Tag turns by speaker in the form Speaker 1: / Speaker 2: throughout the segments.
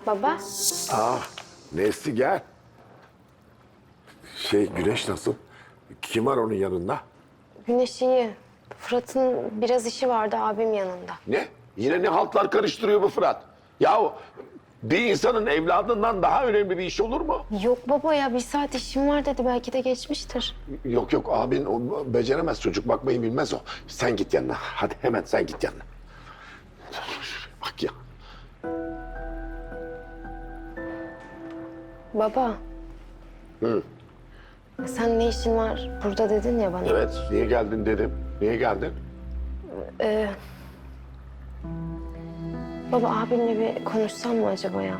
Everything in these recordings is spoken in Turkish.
Speaker 1: Baba,
Speaker 2: Nesli gel. Güneş nasıl? Kim var onun yanında?
Speaker 1: Güneş iyi. Fırat'ın biraz işi vardı abim yanında.
Speaker 2: Ne? Yine ne haltlar karıştırıyor bu Fırat? Yahu bir insanın evladından daha önemli bir iş olur mu?
Speaker 1: Yok baba ya, bir saat işim var dedi. Belki de geçmiştir.
Speaker 2: Yok abin o beceremez çocuk, bakmayı bilmez o. Sen git yanına, hadi hemen sen git yanına. Bak ya.
Speaker 1: Baba.
Speaker 2: Hı.
Speaker 1: Sen ne işin var burada dedin ya bana.
Speaker 2: Evet, niye geldin dedim. Niye geldin?
Speaker 1: Baba, abimle bir konuşsam mı acaba ya?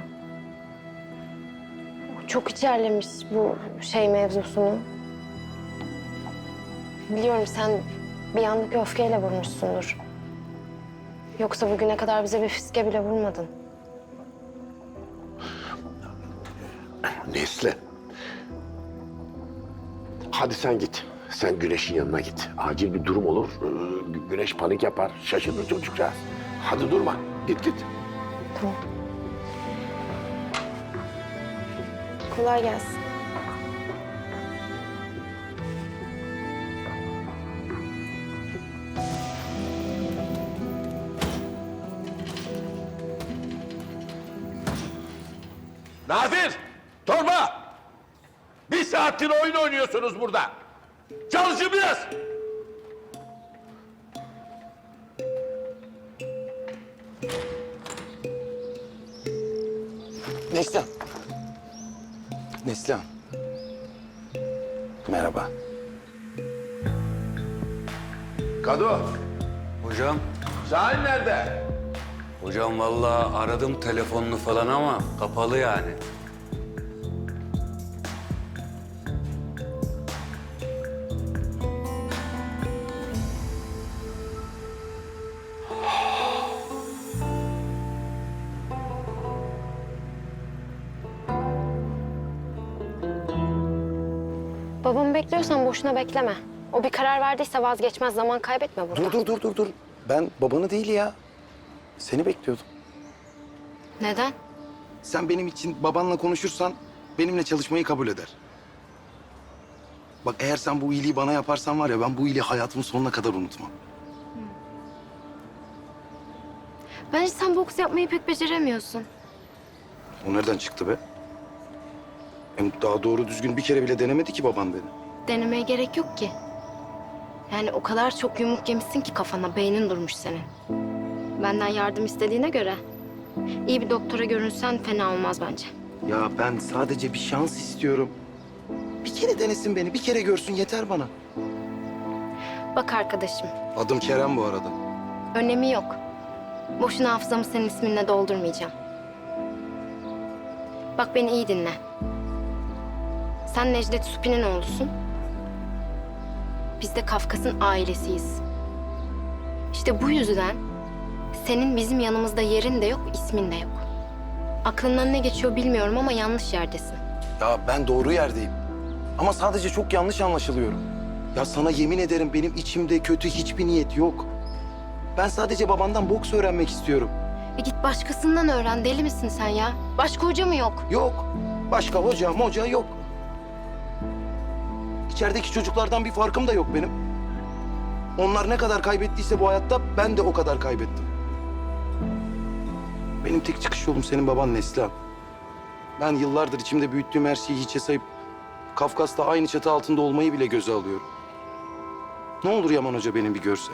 Speaker 1: O çok içerlemiş bu mevzusunu. Biliyorum sen bir anlık öfkeyle vurmuşsundur. Yoksa bugüne kadar bize bir fiske bile vurmadın.
Speaker 2: Nesli. Hadi sen git. Sen Güneş'in yanına git. Acil bir durum olur. Güneş panik yapar. Şaşırır çocukcağız. Hadi durma. Git.
Speaker 1: Tamam. Kolay gelsin.
Speaker 3: Nadir! Torba! Bir saattir oyun oynuyorsunuz burada. Çalışın biraz.
Speaker 4: Neslihan. Neslihan. Merhaba.
Speaker 2: Kado,
Speaker 5: Hocam,
Speaker 3: Şahin nerede?
Speaker 5: hocam vallahi aradım telefonunu falan ama kapalı yani.
Speaker 1: Babamı bekliyorsan boşuna bekleme. O bir karar verdiyse vazgeçmez, zaman kaybetme burada.
Speaker 4: Dur. Ben babanı değil ya. Seni bekliyordum.
Speaker 1: Neden?
Speaker 4: Sen benim için babanla konuşursan benimle çalışmayı kabul eder. Bak eğer sen bu iyiliği bana yaparsan var ya, ben bu iyiliği hayatımın sonuna kadar unutmam.
Speaker 1: Bence sen boks yapmayı pek beceremiyorsun.
Speaker 4: O nereden çıktı be? Hem daha doğru düzgün bir kere bile denemedi ki baban beni.
Speaker 1: Denemeye gerek yok ki. Yani o kadar çok yumruk yemişsin ki kafana, beynin durmuş senin. Benden yardım istediğine göre iyi bir doktora görünsen fena olmaz bence.
Speaker 4: Ya ben sadece bir şans istiyorum. Bir kere denesin beni, bir kere görsün yeter bana.
Speaker 1: Bak arkadaşım,
Speaker 4: Adım Kerem bu arada.
Speaker 1: önemi yok. Boşuna hafızamı senin isminle doldurmayacağım. Bak beni iyi dinle. Sen Necdet Supi'nin oğlusun. Biz de Kafkas'ın ailesiyiz. İşte bu yüzden senin bizim yanımızda yerin de yok, ismin de yok. Aklından ne geçiyor bilmiyorum ama yanlış yerdesin.
Speaker 4: Ya ben doğru yerdeyim. Ama sadece çok yanlış anlaşılıyorum. Ya sana yemin ederim benim içimde kötü hiçbir niyet yok. Ben sadece babandan boks öğrenmek istiyorum.
Speaker 1: Git başkasından öğren, deli misin sen ya? Başka hoca mı yok?
Speaker 4: Yok. Başka hoca yok. İçerideki çocuklardan bir farkım da yok benim. Onlar ne kadar kaybettiyse bu hayatta ben de o kadar kaybettim. Benim tek çıkış yolum senin baban Neslihan. Ben yıllardır içimde büyüttüğüm her şeyi hiçe sayıp Kafkas'ta aynı çatı altında olmayı bile göze alıyorum. Ne olur Yaman Hoca beni bir görse.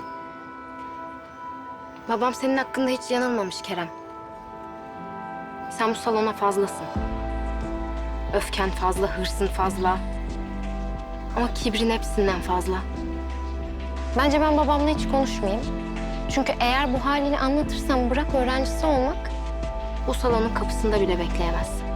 Speaker 1: Babam senin hakkında hiç yanılmamış Kerem. Sen bu salona fazlasın. Öfken fazla, hırsın fazla. Ama kibrin hepsinden fazla. Bence ben babamla hiç konuşmayayım. Çünkü eğer bu halini anlatırsam bırak öğrencisi olmak, bu salonun kapısında bile bekleyemez.